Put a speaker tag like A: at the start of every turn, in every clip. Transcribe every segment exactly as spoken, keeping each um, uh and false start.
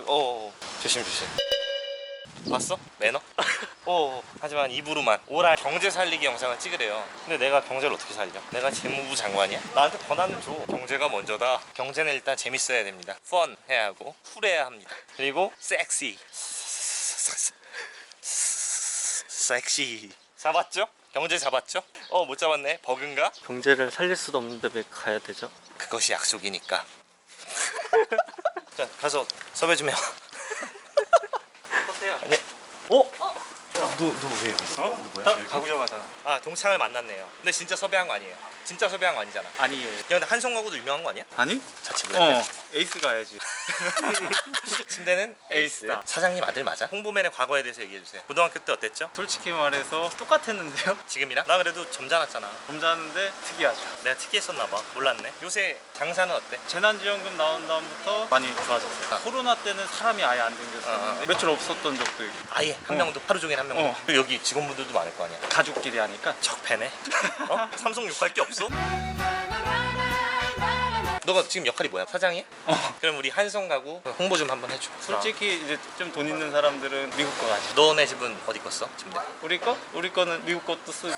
A: 어 조심 조심. 봤어? 매너? 어 하지만 입으로만 오랄 경제 살리기 영상을 찍으래요. 근데 내가 경제를 어떻게 살려? 내가 재무부 장관이야? 나한테 권한을 줘. 경제가 먼저다. 경제는 일단 재밌어야 됩니다. 펀 해야 하고 쿨해야 합니다. 그리고 섹시. 섹시. 잡았죠? 경제 잡았죠? 어 못 잡았네. 버그인가?
B: 경제를 살릴 수도 없는데 왜 가야 되죠?
A: 그것이 약속이니까. 자 가서 섭외 좀 해와.
B: 어때요?
A: 아니. 어? 너너왜 여기 있어?
B: 어? 누구야? 가구점하잖아.
A: 아 동창을 만났네요. 근데 진짜 섭외한 거 아니에요. 진짜 섭외한 거 아니잖아. 야
B: 아니에요.
A: 근데 한성가구도 유명한 거 아니야?
B: 아니?
A: 자취 블랙.
B: 어 에이스 가야지.
A: 침대는 에이스.
B: 에이스다.
A: 사장님 아들 맞아? 홍보맨의 과거에 대해서 얘기해 주세요. 고등학교 때 어땠죠?
B: 솔직히 말해서 똑같았는데요?
A: 지금이랑? 나 그래도 점잖았잖아.
B: 점잖은데 특이하죠.
A: 내가 특이했었나 봐. 몰랐네. 요새 장사는 어때?
B: 재난지원금 나온 다음부터 많이 좋아졌어요.
A: 아.
B: 코로나 때는 사람이 아예 안 생겼었는데
A: 아, 아.
B: 며칠 없었던 적도 있고.
A: 아예 한
B: 어.
A: 명도 하루 종일 한 명도.
B: 어.
A: 그리고 여기 직원분들도 많을 거 아니야.
B: 가족끼리 하니까
A: 적패네. 어? 삼성 욕할 게 없어? 너가 지금 역할이 뭐야? 사장이야?
B: 어.
A: 그럼 우리 한성가구 홍보 좀 한번 해줘.
B: 솔직히 이제 좀 돈 있는 사람들은 미국 거 가지.
A: 너네 집은 어디 껐어? 침대?
B: 우리 거? 우리 거는 미국 것도 쓰고.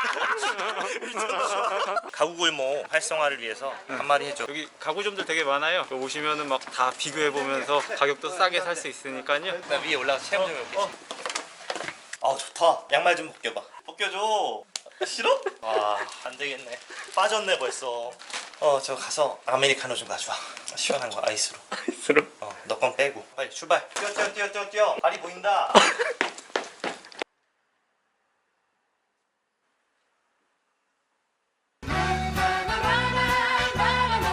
A: 가구골목 활성화를 위해서 한마디 해줘.
B: 여기 가구점들 되게 많아요. 여기 오시면은 막 다 비교해 보면서 가격도 싸게 살 수 있으니까요.
A: 나 위에 올라가서 체험 좀 해볼게. 어. 아 좋다. 양말 좀 벗겨봐. 벗겨줘. 싫어? 와 안되겠네. 빠졌네 벌써. 어 저 가서 아메리카노 좀 가져와. 시원한 거 아이스로.
B: 아이스로?
A: 어 너 건 빼고 빨리 출발. 뛰어 뛰어 뛰어 뛰어 뛰어. 발이 보인다.